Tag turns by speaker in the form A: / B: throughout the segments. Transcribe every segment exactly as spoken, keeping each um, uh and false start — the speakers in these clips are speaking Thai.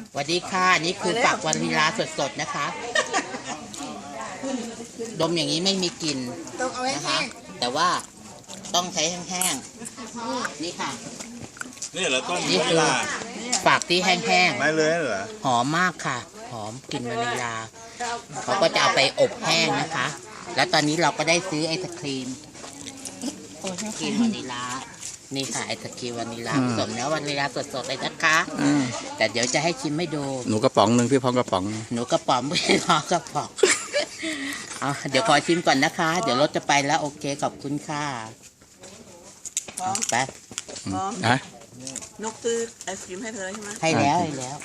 A: สวัสดีค่ะนี่คือฝักวานิลาสดๆนะคะดมอย่างนี้ไม่มีกลิ่นนะคะแต่ว่าต้องใช้แห้งๆนี่ค่ะ
B: นี่เหรอต้น
A: นี่
B: วานิ
A: คือ
B: ลา
A: ฝักที่แห้ง
B: ไม่เลยเหรอ
A: ๆหอมมากค่ะหอมกลิ่นวานิลาเขาก็จะเอาไปอบแห้งนะคะ แล้วตอนนี้เราก็ได้ซื้อไอศครีมครีมวานิลานี่ค่ะไอศครีมวานิลาผสมเนื้อวานิลาสดๆเลยนะคะแต่เดี๋ยวจะให้ชิมให้ดู
C: หนูกระป๋องหนึ่งพี่พร้อมกระป๋อง
A: หนูกระป๋องไม่พอกระป๋องเอาเดี๋ยวขอชิมก่อนนะคะ เดี๋ยวรถจะไปแล้วโอเคขอบคุณค่ะไป
C: นะ
D: นกซื้อไอศกรีมให้เธอแล้วใช่ไหม
A: ให้แล้วให้แล้ว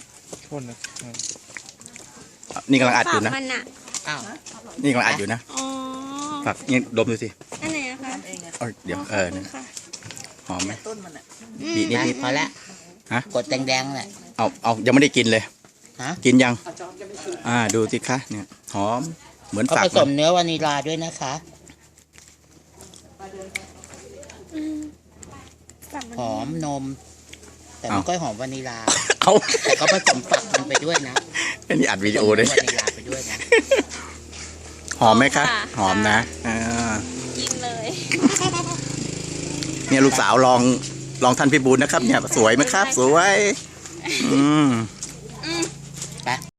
C: นี่กำลังอัดอยู่นะ
E: มันอะ
A: อ้าว
C: นี่กำลังอัดอยู่นะ
E: อ๋อ
C: ฝากนี่ดมดูสิ
E: อันไหนนะคะ
D: เองอะ
C: เอาเดี๋ยวเออเนี่ย
E: ค่ะ
C: หอมไหม
D: ต้นมันอะ
C: บีนิด
A: ไป
C: นิด
A: พอแล้ว
C: ฮะ
A: กดแดงๆแหละ
C: เอาเอายังไม่ได้กินเลย
A: ฮะ
C: กินยัง อ่าดูสิคะเนี่ยหอมเหมือน
A: เขา
C: ฝัก
A: ผสม
C: นะ
A: เนื้อวานิลาด้วยนะคะ
E: ฝั่งมัน
A: หอมนม แต่ไม่ค่อยหอมวานิลา
C: เอา
A: แต่เขาผสมฝักมันไปด้วยนะ
C: อันนี้อัดวิดีโอเลย
A: ผสมนื้อวานิลาไปด้วยนะ
C: หอมไหมคะหอมนะอ่า
E: กินเลย
C: เนี่ยลูกสาวลองลองท่านพิบูลนะครับเนี่ยสวยไหมครับ สวย อืม